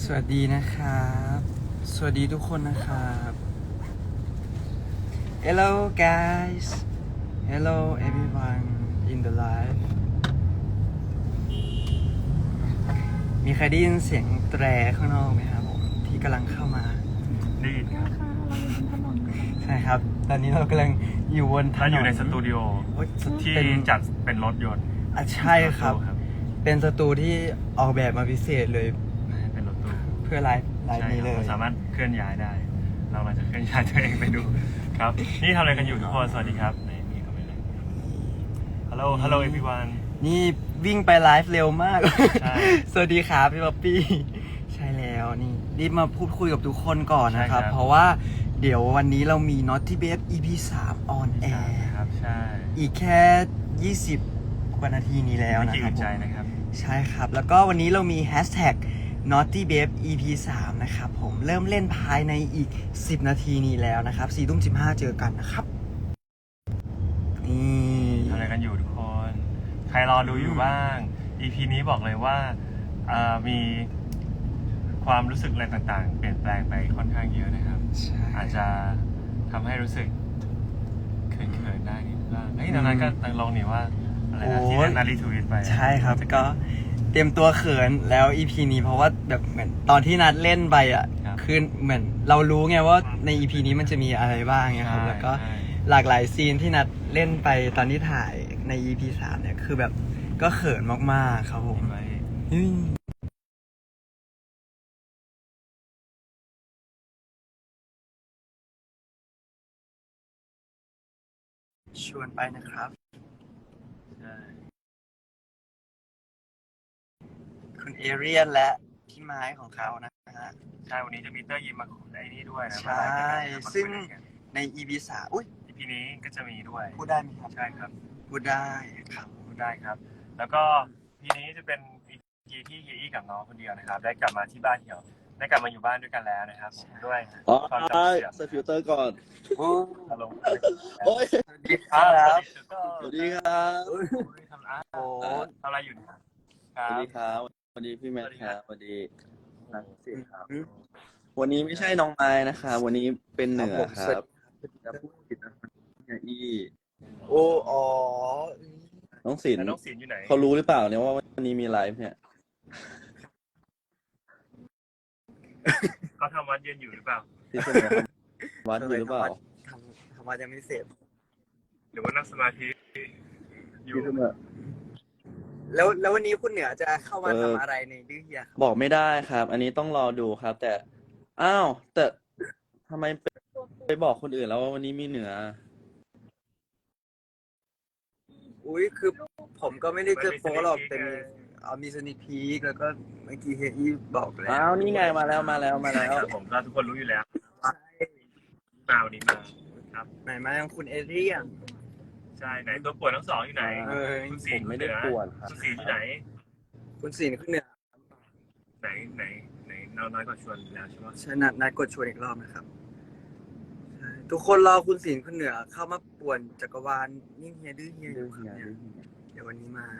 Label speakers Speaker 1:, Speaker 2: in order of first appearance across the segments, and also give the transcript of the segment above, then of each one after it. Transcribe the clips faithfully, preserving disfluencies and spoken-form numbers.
Speaker 1: สวัสดีนะครับ สวัสดีทุกคนนะครับ Hello guys Hello everyone in the live มีใครได้ยินเสียงแตรข้างนอกไหมครับผมที่กำลังเข้ามา
Speaker 2: ได้ยินครับ
Speaker 1: ใช่ครับ ตอนนี้เรากำลังอยู่บนถนน
Speaker 2: ถ้าอยู่ในสตูดิโอ
Speaker 1: โอ๊ย
Speaker 2: ที่
Speaker 1: เป็น
Speaker 2: จัดเป็นรถยนต์
Speaker 1: อ่ะใช่ครับ
Speaker 2: ถตู้
Speaker 1: เป็นสตูที่ออกแบบมาพิเศษเลย
Speaker 2: เป็นรถตู้
Speaker 1: เพื่อไลฟ์ไลฟ์
Speaker 2: ใช่
Speaker 1: นี้
Speaker 2: ค
Speaker 1: เล
Speaker 2: รับ
Speaker 1: ย
Speaker 2: เราสามารถเคลื่อนย้ายได้ เรามาจะเคลื่อนย้ายตัวเองไปดูครับ นี่ทำอะไรกันอยู่ทุกคน สวัสดีครับนี่นี่เข้าไปเลยฮัลโหลฮัลโหลเอพีวัน
Speaker 1: นี่วิ่งไปไลฟ์เร็วมาก
Speaker 2: ใช่
Speaker 1: สวัสดีครับพี่ป๊อปปี้ ใช่แล้วนี่รีบมาพูดคุยกับทุกคนก่อนนะครับ
Speaker 2: ใช่ครับ
Speaker 1: เพราะว่าเดี๋ยววันนี้เรามี Naughty Babe อี พี สาม on
Speaker 2: ใช่
Speaker 1: air
Speaker 2: ครับใช่
Speaker 1: อีกแค่ ยี่สิบ กว่านาทีนี้แล้ว
Speaker 2: ไม่
Speaker 1: นะ
Speaker 2: กี่
Speaker 1: ครั
Speaker 2: อึ
Speaker 1: บ
Speaker 2: ดใจนะครับ
Speaker 1: ใช่ครับ แล้วก็วันนี้เรามี Hashtag Naughty Babe อี พี สาม นะครับผมเริ่มเล่นภายในอีก สิบ นาทีนี้แล้วนะครับ สี่ทุ่มสิบห้าเจอกันนะครับนี่
Speaker 2: ทำอะไรกันอยู่ทุกคน ใครรอดูอยู่บ้าง อี พี นี้บอกเลยว่าเอ่อมีความรู้สึกอะไรต่างๆ เปลี่ยนแปลงไปค่อนข้างเยอะนะครับ
Speaker 1: ใช่
Speaker 2: อาจจะทำให้รู้สึกเขินๆได้นิดบ้างเฮ้ยตอนนั้นก็ตั้งลงนี่ว่าอะไรนะที่นารีทวิตไป
Speaker 1: ใช่ครับก็เตรียมตัวเขินแล้ว อี พี นี้เพราะว่าแบบเหมือนตอนที่นัดเล่นไปอ่ะคือเหมือนเรารู้ไงว่าใน อี พี นี้มันจะมีอะไรบ้างไงครับแล้วก็
Speaker 2: ใช่
Speaker 1: หลากหลายซีนที่นัดเล่นไปตอนที่ถ่ายใน อี พี สามเนี่ยคือแบบก็เขินมากๆครับผม
Speaker 2: ไว้
Speaker 1: อืมชวนไปนะครับ
Speaker 2: ใช่
Speaker 1: คุณเอเรียนและพี่ไม้ของเขานะฮะ
Speaker 2: ใช่วันนี้จะมีเตอร์ยิมมาคุยไอ้นี่ด้วยนะ
Speaker 1: ใช่ซึ่ง ใน อี พี สาม อุ้ย
Speaker 2: อีพีนี้ก็จะมีด้วย
Speaker 1: พูดได้ไหมครับ
Speaker 2: ใช่ครับ
Speaker 1: พูดได้ครับ
Speaker 2: พูดได้ครับ แล้วก็พีนี้จะเป็นอีพีที่เฮียอี้กับน้องคนเดียวนะครับ ได้กลับมาที่บ้านเหี่ยวได้กลับมาอยู่บ้านด้วยกันแล้วนะครับผมด้วย
Speaker 3: อ๋อ
Speaker 2: ความจำ
Speaker 3: ใช่
Speaker 2: เสื่อม
Speaker 3: ใส่ฟิลเตอร์ก่อน
Speaker 2: อารมณ์
Speaker 3: โอ้ย
Speaker 1: สวัสดีครับ
Speaker 3: สวัสดีครับ
Speaker 2: ทำอะ
Speaker 1: โอ้
Speaker 2: ทำอะไรอยู่นะครับ
Speaker 3: สวัสดีครับสวัสดีพี่แมทครับสวัสดีนักเสียครับ วันนี้ไม่ใช่น้องไม้นะครับวันนี้เป็นเหนือครับจะพูดผิดนะเนี่ยอี
Speaker 1: โอ้อ๋อ
Speaker 3: น้องศิล
Speaker 2: แล้ว
Speaker 3: ป์
Speaker 2: น้องศิลป์อยู่ไหน
Speaker 3: เขารู้หรือเปล่าเนี่ยว่าวันนี้มีไลฟ์เนี่ย
Speaker 2: เขาทำวัดเย็นอยู่หรือเปล่า
Speaker 3: ที่เสนอวัดอยู่หรือเปล่า
Speaker 1: ทำทำมายังไม่เสร็จ
Speaker 2: หรือว่านั่งสมาธิอยู่
Speaker 3: ที่เสนอ
Speaker 1: แล้วแล้ววันนี้คุณเหนือจะเข้ามาทำอะไรในดื้อเฮียครับ
Speaker 3: บอกไม่ได้ครับ อันนี้ต้องรอดูครับ แต่อ้าวแต่ทำไมไปไปบอกคนอื่นแล้วว่าวันนี้มีเหนือ
Speaker 1: อุ้ยคือผมก็ไม่ได้เจอโป๊หรอกแต่มีเอามีสนิพีกแล้วก็เมื่อกี้เฮียอี้บอกแล้ว
Speaker 3: อ้าวนี่ไงมาแล้วมาแล้วมาแล้ว
Speaker 2: ครับผมก็ทุกคนรู้อยู่แล้วมาวันนี้มาครับ
Speaker 1: ไหนมายังคุณเอเรียน
Speaker 2: ใช่ไหนตัวป่วนทั้งสองอยู่ไหน
Speaker 1: เออ
Speaker 2: คุณ
Speaker 3: ผ
Speaker 2: ศิล
Speaker 3: ม
Speaker 2: ป์
Speaker 3: ไม่ได้
Speaker 2: เหนือ
Speaker 3: ปวดครับ
Speaker 2: คุณศิลป์อยู่ไหน
Speaker 1: คุณศิลป์คุณเหนือ
Speaker 2: ไหนไหนไหนเราน้อยกว่าชวนแล้วใช่ไหม
Speaker 1: ชนะนัดกดชวนอีกรอบนะครับใช่ทุกคนรอคุณศิลป์คุณเหนือเข้ามาป่วนจักรวาลนี่เฮียดื้อเฮียอยู่ครับเนี่ยเดี๋ยววันนี้มา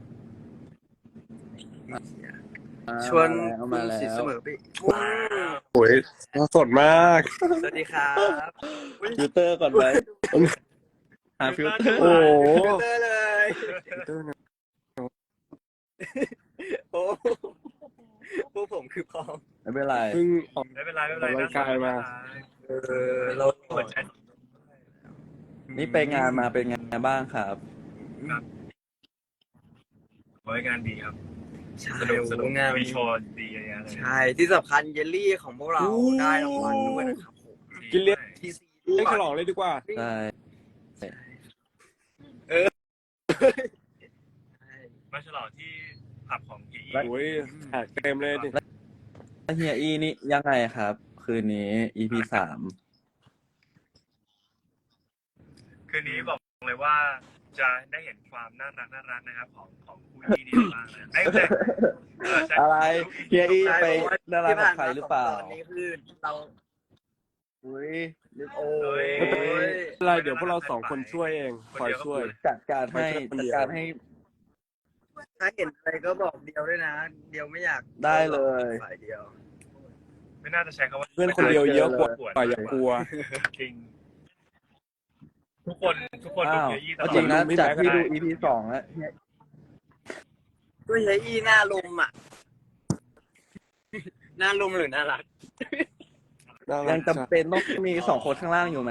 Speaker 1: เฮียชวน
Speaker 3: เอา
Speaker 1: คุ
Speaker 3: มา
Speaker 1: ณ
Speaker 3: แล้
Speaker 1: ศิษย์
Speaker 3: ว
Speaker 1: เสมอไป
Speaker 4: โอ้ยสดมาก
Speaker 1: สวัสดีครับ
Speaker 3: ฟิลเตอร์ก่อนไหมหาฟิลเตอร์
Speaker 4: โอ้โห
Speaker 1: ฟิลเตอร์เลยโอ้พวกผมคือพร้อม
Speaker 3: ไม่เป็นไร
Speaker 4: เพิ่งออก
Speaker 2: ไม่เป็นไรไม่เป็นไร
Speaker 4: กำลังกายมา
Speaker 1: เออเรา
Speaker 2: เปิดใจ
Speaker 3: นี่ไปงานมาเป็นไงบ้างครับ
Speaker 2: บริการดีครับ
Speaker 1: ใช่
Speaker 2: สนุกสนุก
Speaker 1: งาน
Speaker 2: มีโชว์ดีเยอะแยะเลย
Speaker 1: ใช่ที่สำคัญเยลลี่ของพวกเราได้รางวัลด้วยนะครับผม
Speaker 4: กินเลี้ยง
Speaker 1: ทีซี
Speaker 4: เล่นฉลองเลยดีกว่า
Speaker 3: ใช่
Speaker 2: มาฉลองที่ผับของพี่
Speaker 4: โอ้ยแขกเต็มเลยดิ
Speaker 3: แล้วเฮียอีนี่ยังไงครับ คืนนี้ อี พี สาม
Speaker 2: คืนนี้บอกเลยว่าจะได้เห็นความน่ารักน่ารักนะครับของของคู่ที่นี่บ้างนะไอ้แต่เออใช่
Speaker 3: อะไรเฮียอี
Speaker 1: ใช่
Speaker 3: ไป
Speaker 1: เพราะว่า
Speaker 3: ดารา
Speaker 1: ที่
Speaker 3: กับ
Speaker 1: ผ่าน
Speaker 3: ใคร
Speaker 1: มา
Speaker 3: หรือเปล่า
Speaker 1: สองตอนนี้คือเรา
Speaker 3: อุ้ย
Speaker 1: โอ้ย
Speaker 4: อะไรเดี๋ยวพวกเราสองคนช่วยเอง คอยช่วย
Speaker 3: จัดการให้จัดการให้
Speaker 1: ถ้าเห็นอะไรก็บอกเดียวด้วยนะ เดียวไม่อยาก
Speaker 3: ได้เลย
Speaker 1: ฝ่ายเดียว
Speaker 2: ไม่น่าจะใช้คำว่า
Speaker 4: เพื่อนคนเดียวเยอะกว่า
Speaker 2: ปวด
Speaker 4: อย่ากลัว
Speaker 2: จริงทุกคนทุกคนดู
Speaker 3: อ้าว
Speaker 2: เฮียอี้ตล
Speaker 3: เอา
Speaker 2: อด
Speaker 3: จริงนะ
Speaker 4: ไม่
Speaker 3: จากที่
Speaker 4: แม้
Speaker 3: ดู
Speaker 4: ก็ได้
Speaker 3: อี พี สองแล้วเนี่ย
Speaker 1: ก็เฮียอี้หน้าลมอ่ะ หน้าลมหรือน่ารัก
Speaker 3: ยังจำเป็นต้องมีสองคนข้างล่างอยู่ไหม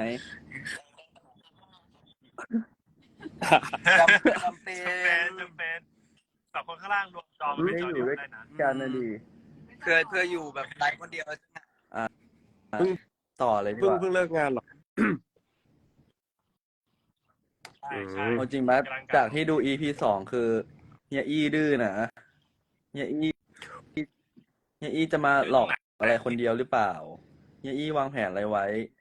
Speaker 1: จำเป็น
Speaker 2: จำเป็นจำเป็นสองคนข้างล่างรวมจอมันเป็นจอเดียวได้นะ
Speaker 3: กันนะดี
Speaker 1: เพื่อเพื่ออยู่แบบไลฟ์คนเดียว
Speaker 4: เพิ่ง
Speaker 3: ต่อเลยดี
Speaker 4: เพิ่
Speaker 3: ก
Speaker 4: ง
Speaker 3: ว่า
Speaker 4: เพิ่งเลิกงานหรอ
Speaker 2: ใช่ใช่
Speaker 3: เอาจริงไหมจากที่ดู อี พี สองคือเฮียอี้ดื้อนะเฮียอี้เฮียอี้จะมาหลอกอะไรคนเดียวหรือเปล่าเฮียอี้วางแผนอะไรไว้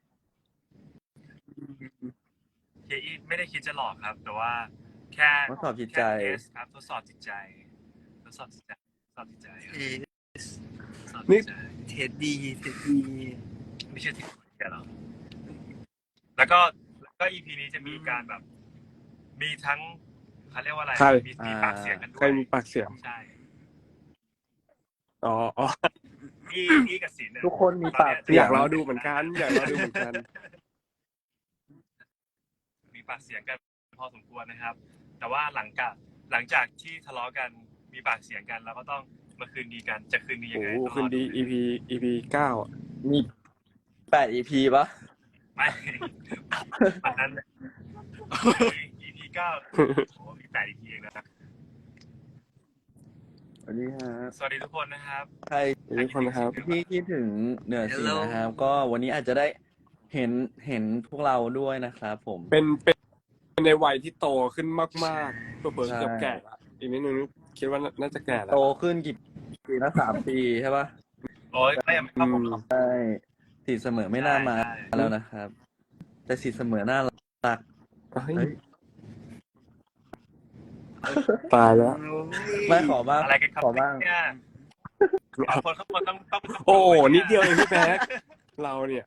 Speaker 2: เฮียอี้ไม่ได้คิดจะหลอกครับ แต่ว่าแค่
Speaker 3: ทดสอบจิตใจ
Speaker 2: แค่เทสครับทดสอบจิตใจทดสอบจิตใจทดสอบจิตใจครับทดสอบจิตใจ
Speaker 1: เท็ดดีเท็ดดี
Speaker 2: ไม่ใช่ที่คนเดียวหรอกแล้วก็แล้วก็ อี พี นี้จะมีการแบบ มีทั้งเขาเรียกว่าอะไร
Speaker 4: ใคร
Speaker 2: มีมีปากเสียงกันด้
Speaker 4: ใคร
Speaker 2: วย
Speaker 4: มีปากเสียง
Speaker 2: ใช่
Speaker 4: อ๋ออ๋อ
Speaker 2: อีอีกับศิลป์เนี่ย
Speaker 3: ทุกคนมีปากเสี
Speaker 4: อย ยากรอดูเหมือนกัน อยากรอดูเหมือนกัน
Speaker 2: มีปากเสียงกันพอสมควรนะครับ แต่ว่าหลังจากหลังจากที่ทะเลาะกันมีปากเสียงกันเราก็ต้องมาคืนดีกันจะคืนดียัง
Speaker 4: โอ้
Speaker 2: ไง
Speaker 4: โห
Speaker 2: ต้องรอ
Speaker 4: คืนดี อี พี อี พี เก้าอ่ะ
Speaker 3: มีแปด อี พี ปะ
Speaker 2: ไม่อันนั้น อี พี เก้าโอ้โหมีแปด อี พี เองนะ
Speaker 3: สวัสดีฮะ
Speaker 2: สวัสดีทุกคนนะครับ
Speaker 3: ใคร
Speaker 4: ทุกคนนะครับ
Speaker 3: ที่คิดถึงเหนือสีนะครับ ก็วันนี้อาจจะได้เห็นเห็นพวกเราด้วยนะครับผม
Speaker 4: เป็นเป็นเป็นในวัยที่โตขึ้นมากๆเผื่อๆ
Speaker 3: ใช่
Speaker 4: เกือบแก่ละอีกนิดนึงคิดว่าน่าจะแก่แล้ว
Speaker 3: โตขึ้นกี่ปีนะสามปีใช่ปะ
Speaker 2: โอ้ยไม่ยังไม่เข้าผมหรอก
Speaker 3: ใช่สีเสมอไม่น่ามา
Speaker 2: ใช่ใช่
Speaker 3: แล้วนะครับ แต่สีเสมอน่ารัก
Speaker 4: เฮ้ย
Speaker 3: เฮ้ย
Speaker 4: ตายแล้ว
Speaker 3: ไม่ขอบ้าง
Speaker 2: อะไรกันครับ
Speaker 3: ขอบ้าง
Speaker 2: เนี่ยสองคนข้างบนต้องต้องต้อง
Speaker 4: โอ้โหนิดเดียวเองพี่แบ๊กเราเนี่ย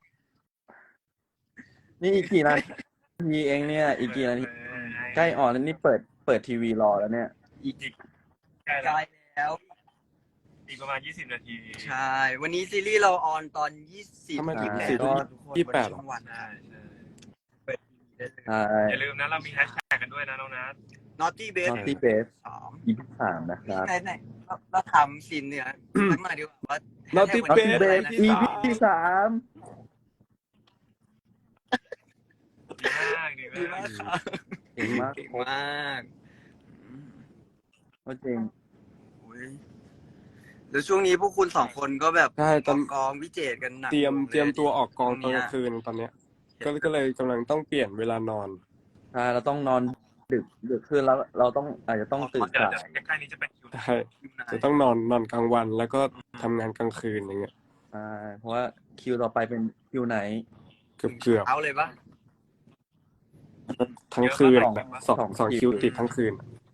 Speaker 3: นี่อีกกี่นาทีเองเนี่ย อีกกี่นาทีใกล้ออนแล้วนี่เปิดเปิดทีวีรอแล้วเนี่ย
Speaker 2: อีกอีกใกล้
Speaker 1: ใก
Speaker 2: แล้ว
Speaker 1: ล้แล้ว
Speaker 2: อีกประมาณยี่สิบนาที
Speaker 1: ใช่ วันนี้ซีรีส์เราออนตอนยี่สิบ
Speaker 4: ทำไมถึง
Speaker 3: ใช่
Speaker 4: สี่ทุ่ม
Speaker 1: ทุกคน
Speaker 4: ยี่สิบแปด
Speaker 1: บนช่องวัน
Speaker 2: ใช่ใช่
Speaker 1: เปิดทีวีได้เลย
Speaker 3: ใช่
Speaker 2: อย่าลืมนะเรามีแฮชแท็กกันด้วยนะน้องนัท
Speaker 1: Naughty Base
Speaker 3: นอตตี้เบส
Speaker 1: สาม
Speaker 3: อีพีสามนะครับ
Speaker 1: ไหนไหนเราเราทำสินเนี่ยสักหน่อยดีกว่าว่า
Speaker 4: Naughty
Speaker 1: แฮชแท็ก
Speaker 3: นอตตี้
Speaker 1: วัน
Speaker 3: เบ
Speaker 1: นี้
Speaker 3: ส
Speaker 1: อะไรนะ
Speaker 3: อีพีสาม
Speaker 2: ดีมากดี
Speaker 1: ดี
Speaker 2: มาม
Speaker 1: าก กครับ
Speaker 3: เก่งมาก
Speaker 1: เก่งมากอืม
Speaker 3: ก็จริง
Speaker 1: โอ้ยแล้วช่วงนี้พวกคุณสองคนก็แบบ
Speaker 4: ใช่ตอน
Speaker 1: กองวิเจตกันหนัก
Speaker 4: เตรียม
Speaker 1: ล
Speaker 4: เตรียมตัวออกกองตอน
Speaker 1: เนี้
Speaker 4: กลาย งคืนตอนเนี้ย ก็ก็เลยกำลังต้องเปลี่ยนเวลานอน
Speaker 3: ใช่เราต้องนอนดึกดึกขึ้นแล้วเราต้องอาจจะต้องตื่น
Speaker 2: เดี๋ยว
Speaker 3: สาย
Speaker 2: เดี๋ยวใกล้ๆนี้จะเป็นคิว
Speaker 4: ใช่ จะต้องนอนนอนกลางวันแล้วก็ทำงานกลางคืนอย่างเงี้ย
Speaker 3: ใช่เพราะว่าคิวต่อไปเป็นคิวไหน
Speaker 4: เกือบเกือบ
Speaker 1: เอาเลยปะ
Speaker 4: ทั้งคืน
Speaker 3: สอง
Speaker 4: แบบสอง
Speaker 3: สอง
Speaker 4: สอง
Speaker 3: คิ
Speaker 4: คิ
Speaker 3: ว
Speaker 4: วติดทั้งคืน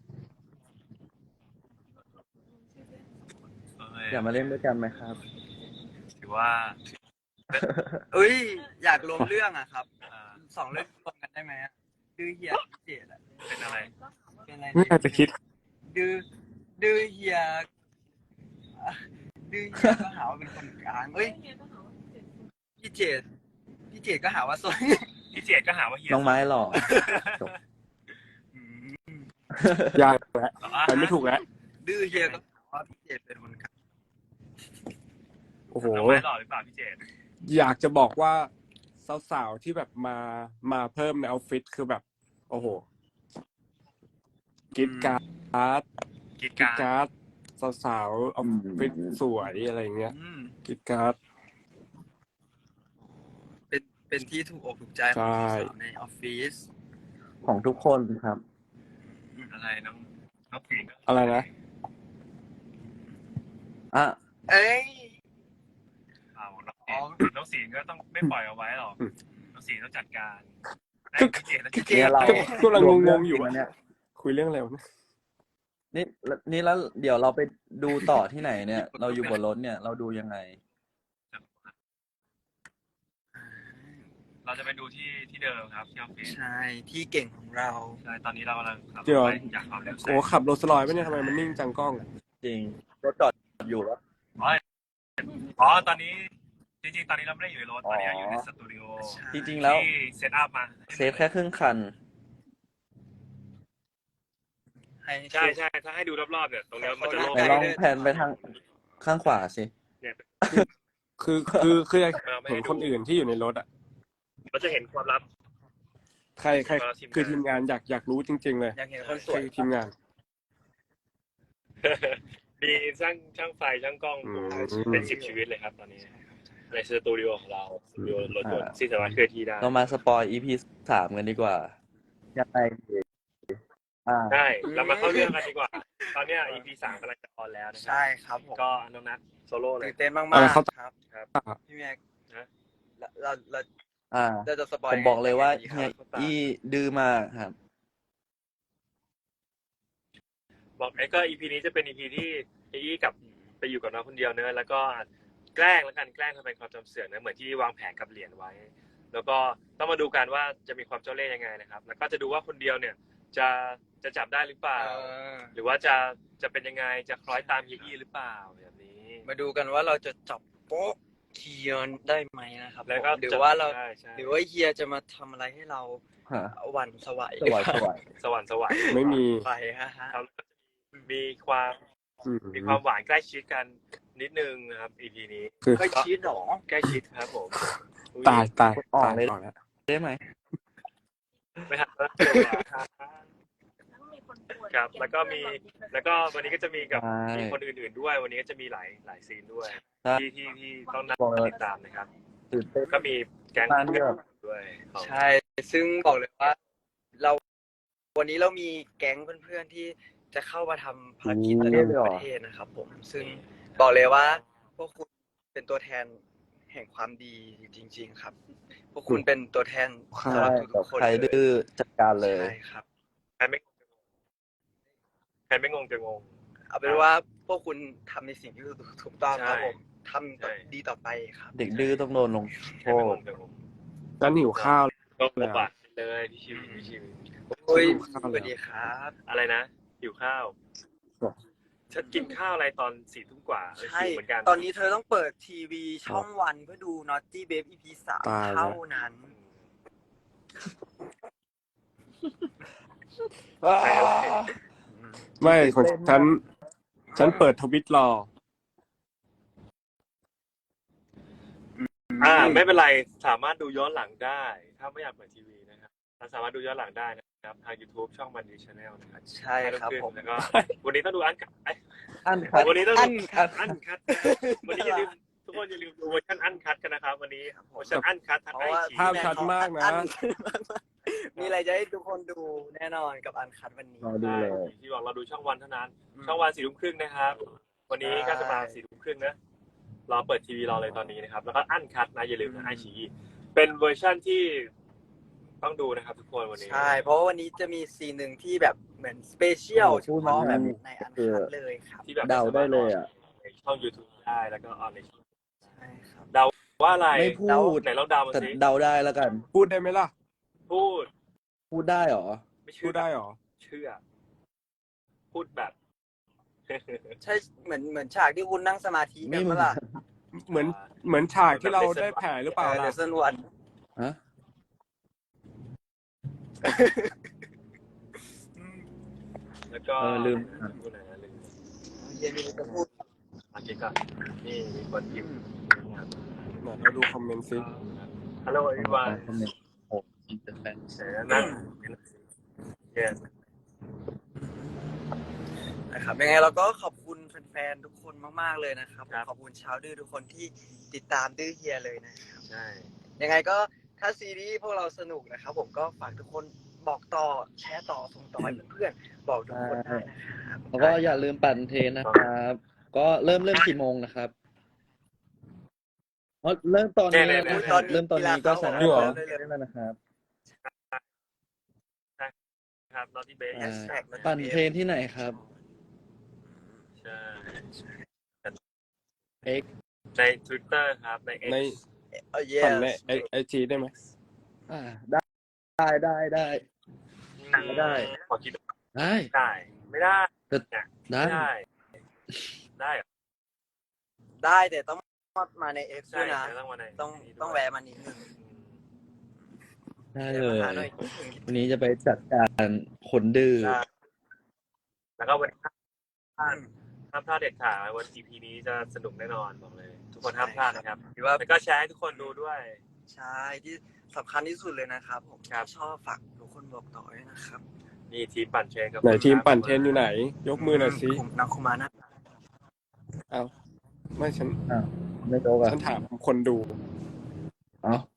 Speaker 2: เอ้ย
Speaker 3: อยากมาเล่นด้วยกันไหมครับ
Speaker 2: ถือว่า
Speaker 1: เอ้ย อยากรวมเรื่องอะครับ
Speaker 2: อ่า
Speaker 1: สองเรื่องรวมกันได้ไหมอะดื้อเฮียวิเจตอะ
Speaker 2: เป็นอะไร
Speaker 1: เป็นอะไร
Speaker 4: ไม่อยากจะคิด
Speaker 1: ดื้อดื้อเฮียอ่ะดื้อเฮียก็หาว่าเป็นคนกลางเอ้ยพี่เจตพี่เจตก็หาว่าซวย
Speaker 2: พี่เจดก็หาว่าเฮีย
Speaker 3: น้องไม้หล่อจบ
Speaker 1: อืม
Speaker 4: ยากแล้วไปไม่ถูกแล้ว
Speaker 1: ดื้อเฮียก็หาว่าพี่เจตเป็นคนกลาง
Speaker 4: โอ้โห
Speaker 2: น้องไม้หล่อหรือเปล่าพี่เจด
Speaker 4: อยากจะบอกว่าสาวๆที่แบบมามาเพิ่มในออฟฟิศคือแบบ โอ้โหกรีดการ์ด
Speaker 2: กิจ
Speaker 4: กรีด
Speaker 2: การ
Speaker 4: การ์ดสาวๆออฟฟิศสวยอะไรเงี้ย
Speaker 1: อืม
Speaker 4: กรีดการ์ด
Speaker 1: เป็นเป็นที่ถูกอกถูกใจข
Speaker 4: ใช่
Speaker 1: องสาวในออฟฟิศ
Speaker 3: ของทุกคนครับ
Speaker 2: อะไรน้องน้องฝีนก็
Speaker 4: อะไรนะ
Speaker 3: อ่ะ
Speaker 1: เอ้ย
Speaker 2: เอาน้อง
Speaker 1: อ๋อ
Speaker 2: น้องศีลก็ต้องไม่ปล่อยเอาไว้หรอกน้องศีลต้องจัดการ
Speaker 4: ก็
Speaker 2: พี่เจดแล้ว
Speaker 1: พี่เจ
Speaker 3: เนี่ย
Speaker 1: ต
Speaker 3: เรา
Speaker 4: กำลังงงๆอยู่
Speaker 3: รวม
Speaker 4: อะ
Speaker 3: เรื่เนี่ย
Speaker 4: คุยเรื่องอะไรวะเนี่ย
Speaker 3: นี่นี่แล้วเดี๋ยวเราไปดูต่อที่ไหนเนี่ย เราอยู่บนรถเนี่ย เราดูยังไง
Speaker 2: เราจะไปดูที่ที่เดิมครับที่ออฟฟิศ
Speaker 1: ใช่ ที่เก่งของเรา
Speaker 2: ใช่ตอนนี้เรากำลังขับร
Speaker 4: เดี๋
Speaker 2: ถ
Speaker 4: ยว
Speaker 2: ไปอยากขับเร็วแซ
Speaker 4: โอ้
Speaker 2: ง
Speaker 4: ขับโรลส์รอยซ์ไหมเนี่ยทำไมมันนิ่งจังกล้อง
Speaker 3: จริงรถจอดอยู่แล้ว
Speaker 2: อ๋อตอนนี้จริงๆตอนนี้เราไม่ได้อยู่ในรถตอนนี้อยู่ในสตูดิโอ
Speaker 3: จริงๆแล้ว
Speaker 2: ที่เซตอัพมา
Speaker 3: เซฟแค่ครึ่งคัน
Speaker 1: ให้
Speaker 2: ใช่ใช่ถ้าให้ดูรอบๆเนี่ยตรงเนี้ยมันจะโล่ง
Speaker 3: ไหนลองแผนไปทางข้างขวาสิ
Speaker 2: เนี่ย
Speaker 4: คือคือคืออยาก
Speaker 2: เราไม่
Speaker 4: เห็
Speaker 2: ให้
Speaker 4: น
Speaker 2: ดู
Speaker 4: คนอื่นที่อยู่ในรถอ่ะ
Speaker 2: เราจะเห็นความลับ
Speaker 4: ใครใครคือทีมงานอยากอยากรู้จริง ๆ เลย
Speaker 1: อยากเห็นคนส
Speaker 4: ใคร
Speaker 1: วย
Speaker 4: คือทีมงาน
Speaker 2: มีช่างช่างไฟช่างกล้อง
Speaker 4: อืม
Speaker 2: เป็นสิบชีวิตเลยครับตอนนี้ในสตูดิโอของเราสตูดิโอรถยนต์ที่สามารถเคลื่อนที่ได้
Speaker 3: เรามาสปอย อี พี สามกันดีกว่ายังไงดีอ่า
Speaker 2: ใช่เรามาเข้าเรื่องกันดีกว่า ตอนเนี้ย อี พี สามกำลังจะออนแล้วนะครั
Speaker 1: ใช่ครับผม
Speaker 2: ก็น้องนัทโซโล่เลย
Speaker 1: ตื่นเต้นมาก
Speaker 4: เออเขา
Speaker 1: ๆครับ
Speaker 2: ครับ
Speaker 1: พี่แม็ก
Speaker 2: นะ
Speaker 1: เราเรา
Speaker 3: อ่า
Speaker 1: เราจะสปอย
Speaker 3: ผมบอกเลยว่า
Speaker 1: ดีค
Speaker 3: เฮีย
Speaker 1: รับ
Speaker 3: อีดื้อมากครับ
Speaker 2: บอกไอ้ก็ อี พี นี้จะเป็น อี พี ที่เออี้กับไปอยู่กับน้องคนเดียวเนอะแล้วก็แกล้งแล้วกันแกล้งทำเป็นความจำเสื่อมนะเหมือนที่วางแผนกับเหรียญไว้ แล้วก็ต้องมาดูกันว่าจะมีความเจ้าเล่ห์ยังไงนะครับ แล้วก็จะดูว่าคนเดียวเนี่ยจะจะจับได้หรือเปล่า
Speaker 1: เออ
Speaker 2: หรือว่าจะจะเป็นยังไงจะคล้อยตามเฮียอี้หรือเปล่าแบบนี้
Speaker 1: มาดูกันว่าเราจะจับโป๊ะเฮียได้ไหมนะครับ
Speaker 2: แล้วก็
Speaker 1: ผมหรือว่าเรา
Speaker 2: ใช่ใช่
Speaker 1: หรือว่าเฮียจะมาทำอะไรให้เรา
Speaker 3: ฮะ
Speaker 1: หวั่นสวัย
Speaker 3: สวยสวย
Speaker 2: สวรรค์สวรรค์
Speaker 4: ไม่มี
Speaker 1: ไปฮะฮะ
Speaker 2: ครับมีความ
Speaker 4: อืม
Speaker 2: มีความหวานใกล้ชิดกันนิดนึงนะครับ อี พี นี้
Speaker 4: คือ
Speaker 1: เคยชีดหรอ
Speaker 2: ใกล้ชิดครับผมอุ๊
Speaker 4: ตายตาย
Speaker 3: ออก
Speaker 4: ตาย
Speaker 3: เลย
Speaker 4: ออกแล้ว
Speaker 3: ได้ไหม
Speaker 2: ไม่หักแล้วครับแล้วก็มีแล้วก็วันนี้ก็จะมีกับ
Speaker 3: ใช่
Speaker 2: มีคนอื่นๆด้วย วันนี้ก็จะมีหลายหลายซีนด้วย
Speaker 3: ใช่
Speaker 2: ที่ที่ที่ต้องน่าติดตามนะครับ
Speaker 3: ตื่นเต้น
Speaker 2: ก็มีแก๊ง
Speaker 3: บ้านด้วย
Speaker 2: ด้วยของ
Speaker 1: ใช่ ซึ่งบอกเลยว่า เรา วันนี้เรามีแก๊งเพื่อนๆที่จะเข้ามาทำภารกิจระดับประเทศนะครับผม ซึ่งบอกเลยว่า พวกคุณเป็นตัวแทนแห่งความดีจริง ๆ ครับ พวกคุณเป็นตัวแทน
Speaker 3: ใช่
Speaker 1: สำหรับทุกๆคน
Speaker 3: ใคร
Speaker 1: เลย
Speaker 3: ดื้อจัดการเลย
Speaker 1: ใช่ครับ
Speaker 2: ใครไม่ใครไม่งงจะงง
Speaker 1: เอาเป็นว่าพวกคุณทำในสิ่งที่ถูกต้องครับ
Speaker 2: ใช่
Speaker 1: ผมทำต่อ
Speaker 2: ใช่
Speaker 1: ดีต่อไปครับ
Speaker 3: เด็กดื้อต้องโดนลง
Speaker 2: ใค
Speaker 3: โท
Speaker 2: รไม่ง
Speaker 3: ษ
Speaker 2: งจะงง
Speaker 4: นั้นหิวข้าว
Speaker 2: ก็ปบัติเลยพี่ชิวพี่ชิว
Speaker 1: โอ้ย
Speaker 4: หิวข้าว
Speaker 1: ส
Speaker 4: แล้ว
Speaker 1: วัสดีครับ
Speaker 2: อะไรนะหิวข้าว
Speaker 4: ครับ
Speaker 2: ฉันกินข้าวอะไรตอนสี่ทุ่มกว่าเออ
Speaker 1: ใช่
Speaker 2: หิวเหมือนกัน
Speaker 1: ตอนนี้เธอต้องเปิดทีวีช่องวันเพื่อดู Naughty Babe อี พี สาม
Speaker 4: ตายแล้ว
Speaker 1: เท่านั้น
Speaker 4: ไม่ของฉัน ฉันเปิดทวิตรอ
Speaker 2: อ่าไม่เป็นไรสามารถดูย้อนหลังได้ ถ้าไม่อยากเปิดทีวีนะครับเราสามารถดูย้อนหลังได้นะครับทาง YouTube ช่องมันดีชาแนลนะครับ
Speaker 1: ใช่ครับผม
Speaker 2: แล้วก็วันนี้ต้องดูอันคัดเอ้ย
Speaker 3: อันคัด
Speaker 2: วันนี้ต้อง
Speaker 1: อั
Speaker 2: ดู
Speaker 1: นคัด
Speaker 2: อันคัดวันนี้อย่าลืมทุกคนอย่าลืมดูเวอร์ชันอันคัดกันนะครับ วันนี้เวอร์ชันอันคัดทั้ง
Speaker 1: เพ
Speaker 2: ไอ
Speaker 1: ราะว่า
Speaker 2: ชี
Speaker 4: ภาพชัดมากนะ
Speaker 1: อัมีอะไรจะให้ทุกคนดูแน่นอนกับอันคัดวันนี้
Speaker 3: รอดูเลย
Speaker 2: ที่บอกเราดูช่องวันเท่านั้น
Speaker 1: อืม
Speaker 2: ช่องวันสี่ทุ่มครึ่งนะครับ วันนี้ก็จะมา
Speaker 1: ใช่
Speaker 2: สี่ทุ่มครึ่งนะรอเปิดทีวีรอเลยตอนนี้นะครับ แล้วก็อันคัดนะอย่าลืมนะไอชีเป็นเวอร์ชันที่ต้องดูนะครับทุกคนวันนี้
Speaker 1: ใช่ เพราะว่าวันนี้จะมีซีนหนึ่งที่แบบเหมือนสเปเชียล
Speaker 3: โอ้โห
Speaker 1: เฉพาะแบบ
Speaker 3: พูดมา
Speaker 1: ในอันคัดเลยครับ
Speaker 2: ที่แบบ
Speaker 3: เดาได้เลยอ่ะ
Speaker 2: ในช่อง YouTube ได้แล้วก็ออนในช่อง
Speaker 1: ใช่ครับ
Speaker 2: ว่าอะไร
Speaker 3: ไม่พูด
Speaker 2: ไหนลองเดามา
Speaker 3: แต่
Speaker 2: สิ
Speaker 3: เดาได้แล้วกัน
Speaker 4: พูดได้ไหมล่ะ
Speaker 2: พูด
Speaker 3: พูดได้เหรอ
Speaker 2: ไม่
Speaker 4: พู
Speaker 2: เชื่อ
Speaker 4: ดได้หรอ
Speaker 2: เชื่อ พูดแบบ
Speaker 1: ใช่เหมือนเหมือนฉากที่คุณนั่งสมาธิกันเมื่อล่ะ
Speaker 4: เหมือนเหมือนฉากที่เราได้แผลหรือเปล่า
Speaker 1: เด
Speaker 4: ล่ะ
Speaker 1: ซนวัน
Speaker 3: ฮะ
Speaker 2: แล้วก็
Speaker 3: เออลืม
Speaker 2: พูดไหนนะลืม
Speaker 1: เย็นนี้จะพูด
Speaker 2: โอเคก่อนนี่มีคนพิมพ์นะครับ
Speaker 4: ไหนเราดูคอมเมนต์ซิ
Speaker 2: ฮัลโหลอีวาน
Speaker 3: คอมเมนต์โอ้อินเตอร์แฟน
Speaker 2: เดี๋ยวนั่งเย้
Speaker 1: นะครับยังไงเราก็ขอบคุณแฟนๆทุกคนมากๆเลยนะครับขอบคุณชาวดื้อทุกคนที่ติดตามดื้อเฮียเลยนะครับ
Speaker 2: ใช่
Speaker 1: ยังไงก็ถ้าซีรีส์พวกเราสนุกนะครับ ผมก็ฝากทุกคนบอกต่อแชร์ต่อส่งต่อให้เพื่อนๆบอกทุกคนได้นะครับ
Speaker 3: แล้วก็อย่าลืมปั่นเทรนนะครับ ก็เริ่มเริ่มกี่โมงนะครับอ๋อเริ่มตอนนี้แล้วนะครับเริ่มตอนนี้ก็สามารถปั่นเทรนได้แล้วนะครับ
Speaker 2: ครับนอตตี้เบส
Speaker 3: อ่าปั่นเทรนที่ไหนครับ
Speaker 2: ใช่
Speaker 3: X
Speaker 2: ใน Twitter ครับใน X
Speaker 4: ใน
Speaker 1: เออเย
Speaker 4: ปั่นในไอไอจีได้ไหม
Speaker 3: อ่าได้ได้ได้ได้ ไม่ได้
Speaker 2: ขอคิด
Speaker 3: ได้
Speaker 2: ได้ ไม่ได้
Speaker 3: แต่
Speaker 2: เนี่ย
Speaker 3: ได้
Speaker 2: ไม่ได้ ได้เหรอ
Speaker 1: ได้แต่ต้องมาใน X ด้
Speaker 2: ใช่
Speaker 1: วยนะ
Speaker 2: ต้องมาใน
Speaker 1: ต้อง
Speaker 2: นี้ด้วย
Speaker 1: ต้องแวะมานิดนึง
Speaker 3: ได้เล
Speaker 1: มาย หาหน่อย
Speaker 3: วันนี้จะไปจัดการคนดื้อ
Speaker 2: ใช่แล้วก็วันนี้
Speaker 1: อืม
Speaker 2: ห้ามพลาดเด็ดขาดวัน อี พี นี้จะสนุกแน่นอนบอกเลย ทุกคนห้ามพลาดนะครับ
Speaker 1: หรือว่า
Speaker 2: แล้วก็แชร์ให้ทุกคนดูด้วย
Speaker 1: ใช่ที่สำคัญที่สุดเลยนะครับ ผม
Speaker 2: ครับ
Speaker 1: ชอบฝากทุกคนบอกต่อด้วยนะครับ
Speaker 2: นี่ทีมปั่นเทรนกับ
Speaker 4: ไหนทีมปั่นเทรนอยู่ไหน ยกมือหน่อยสิ
Speaker 1: ผมนักคุมานะ
Speaker 4: เอาไม่ฉัน
Speaker 3: อ้าวไม่โต๊ะอ่ะ
Speaker 4: ฉันถามคนดู
Speaker 3: เอ้า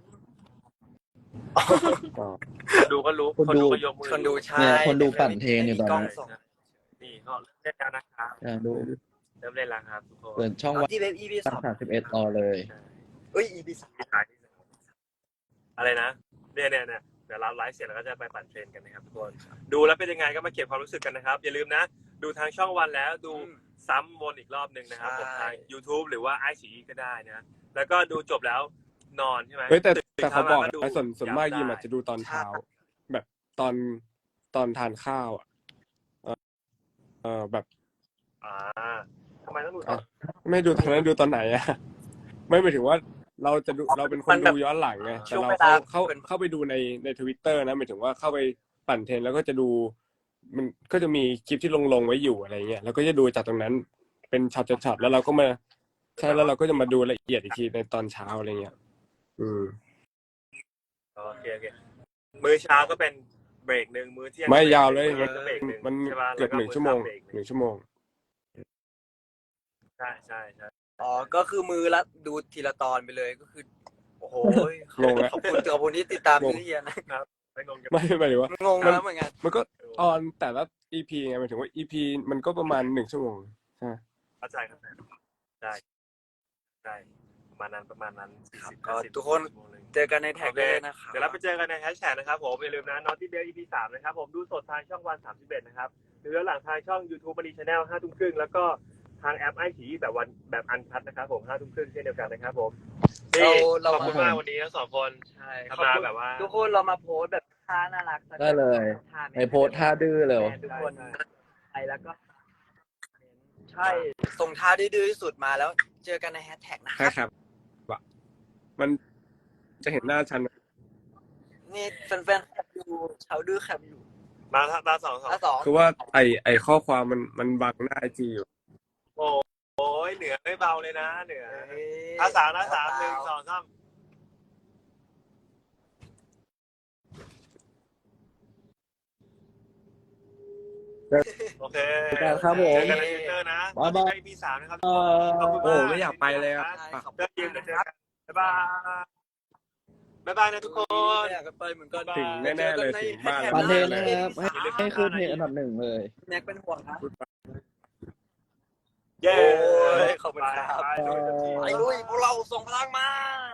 Speaker 4: อ๋อ
Speaker 2: คนดูก็รู้
Speaker 3: คนดู
Speaker 2: ก็ยกมือ
Speaker 1: คนดูใช่
Speaker 3: เนี่ยคนดูปั่นเทรนอยู่ตอนนี้
Speaker 1: มีกล้งส่ง
Speaker 2: นี่เขาเล่นแล้วนะครับ
Speaker 3: อยากดู
Speaker 2: เริ่มเล่นแล้วครับทุกคน
Speaker 3: เปิดช่องวัน
Speaker 1: ที่เว็บ อี พี สอง
Speaker 3: สามสิบเอ็ดต่อเลย
Speaker 1: เอ้ย อี พี สาม
Speaker 2: ที่ถ่ายที่อะไรนะเนี่ยเนี่ยเนี่ยเดี๋ยวเราไลฟ์เสร็จแล้วก็จะไปปั่นเทรนกันนะครับทุกคนดูแล้วเป็นยังไงก็มาเก็บความรู้สึกกันนะครับ อย่าลืมนะ ดูทางช่องวันแล้วดูซ้ำวนอีกรอบหนึ่งนะครับผมทาง YouTube หรือว่าไอซีก็ได้นะแล้วก็ดูจบแล้วนอนใช่ไหม
Speaker 4: เฮ้ยแต่
Speaker 2: ตื่น
Speaker 4: แต่เขาบอก
Speaker 2: ช้ม
Speaker 4: นะส่วนส่วนมาก
Speaker 2: ได้
Speaker 4: ยิมอาจจะดูตอนเช้า แบบตอนตอนทานข้าวอ่ะเออเออแบบ
Speaker 2: อ่าทำไมต้องดูตอน
Speaker 4: ไม่ดูตอนนั้นดูตอนไหนอ่ะ ไม่หมายถึงว่าเราจะดูเราเป็นคนดูย้อนหลังไงแต่เราเข้าเข้าเข้าไปดูในในทวิตเตอร์นะหมายถึงว่าเข้าไปปั่นเทรนแล้วก็จะดูมันก็จะมีคลิปที่ลงลงไว้อยู่อะไรเงี้ยแล้วก็จะดูจากตรงนั้นเป็นช็อตช็อตแล้วเราก็มาใช่แล้วเราก็จะมาดูละเอียดอีกทีในตอนเช้าอะไรเงี้ยอืม
Speaker 2: โอเคโอเคมื้อเช้าก็เป็นเบรกหนึ่งมื้อเที่ยง
Speaker 4: ไม่ยาวเลย
Speaker 2: มื้อ
Speaker 4: มัน
Speaker 2: ก็เบรกหนึ่ง
Speaker 4: มัน
Speaker 2: ใช่ปะ
Speaker 4: เกือบหนึ่งชั่วโมง
Speaker 2: แล้ก็
Speaker 4: หนึ่งชั่วโมง
Speaker 2: ใช่ใช่ใช่
Speaker 1: อ๋อ ก็คือมือละดูทีละตอนไปเลยก็คือ โอ้โห
Speaker 4: งงแล้ว
Speaker 1: ขอบคุณขอบคุณที่ติดตาม
Speaker 4: งง
Speaker 1: พี่เฮียนะ
Speaker 2: ไม่งงกัน
Speaker 4: ไม่หมายถึงว่า
Speaker 1: งงแล้วเหมือนกัน
Speaker 4: มันก็ออนแต่ละ อี พี ไงหมายถึงว่า อี พี มันก็ประมาณหนึ่งชั่วโมงใช่ไหม
Speaker 2: เข้าใจเข้าใจใช่ใช่ประมาณนั้นประมาณนั้น
Speaker 1: ครับ
Speaker 2: 40
Speaker 1: ก็
Speaker 2: 50
Speaker 1: ทุกคน
Speaker 2: ชั่วโมงหนึ่ง
Speaker 1: เจอกันในแท็ก
Speaker 2: โอเค
Speaker 1: ได้เลยนะครับ
Speaker 2: เดี๋ยวเราไปเจอกันในแฮชแท็กนะครับผมอย่าลืมนะ Naughty Bell อี พี สามนะครับผมดูสดทางช่องวันสามสิบเอ็ดนะครับหรือย้อนหลังทางช่อง YouTube มารีชาแนลห้าทุ่มครึ่งแล้วก็ทางแอปไอฉีแบบวันแบบอันคัทนะครับผมห้าทุ่มครึ่งเช่นเดียวกันนะครับผม
Speaker 1: เรา
Speaker 2: นี่
Speaker 1: เรา
Speaker 2: ขอบคุณมากวันนี้ทั้งสองคน
Speaker 1: ใช่
Speaker 2: ทำมาแบบว่า
Speaker 1: ทุกคนเรามาโพสต์แบบท่าน่ารักสัก
Speaker 3: ได้เลย
Speaker 1: ท่า
Speaker 3: ในโพสต์ท่าดื้อเลย
Speaker 1: ทุกคนไปแล้วก็ใช่ส่งท่าดื้อๆที่สุดมาแล้วเจอกันในแฮชแท็กนะค
Speaker 4: ใช่
Speaker 1: รับ
Speaker 4: ครับว่ามันจะเห็นหน้าฉัน
Speaker 1: นี่แฟนๆแคปอยู่ชาวดื้อแคปอยู่
Speaker 2: มาตาสองสอง
Speaker 1: ท่าสอง
Speaker 4: คือว่าไอไอข้อความมันมันบังหน้าไอจีอยู่
Speaker 2: โอ้ยเหนือไม่เบาเลยนะเหนือ
Speaker 1: เอ้ย
Speaker 2: ท่าสามนะสามหนึ่งสองสามโอเค
Speaker 3: ครับผม
Speaker 2: เจอกันในทวิตเตอร์นะ
Speaker 3: บ๊ายบาย
Speaker 2: อี พี สามนะครับ
Speaker 3: เอ่อ
Speaker 2: ขอบคุณ
Speaker 4: โอ้
Speaker 2: มาก
Speaker 4: ไม่อยากไปเลยอะ
Speaker 1: ใช่ขอบ
Speaker 2: เจอ
Speaker 1: คุ
Speaker 2: ที
Speaker 1: ณ
Speaker 2: ม
Speaker 1: นะ
Speaker 2: เจอ
Speaker 1: ครับ
Speaker 2: กันบ๊ายบายบ๊ายบายนะทุกคน
Speaker 1: ไม่อยากจะไปเหมือนกัน
Speaker 4: ถึงแน่ๆเลยถึงบ้าน
Speaker 3: ปั่นเทรน
Speaker 1: แ
Speaker 3: นะครับให้ให้ขึ้นเพลงอันดับหนึ่งเลย
Speaker 1: แน็กเป็นห่วงนะ
Speaker 2: เย้
Speaker 1: โอ้ยขอบคุณครับ
Speaker 2: ไปไปไป
Speaker 1: ไอ้ลุยพวกเราส่งพลังมา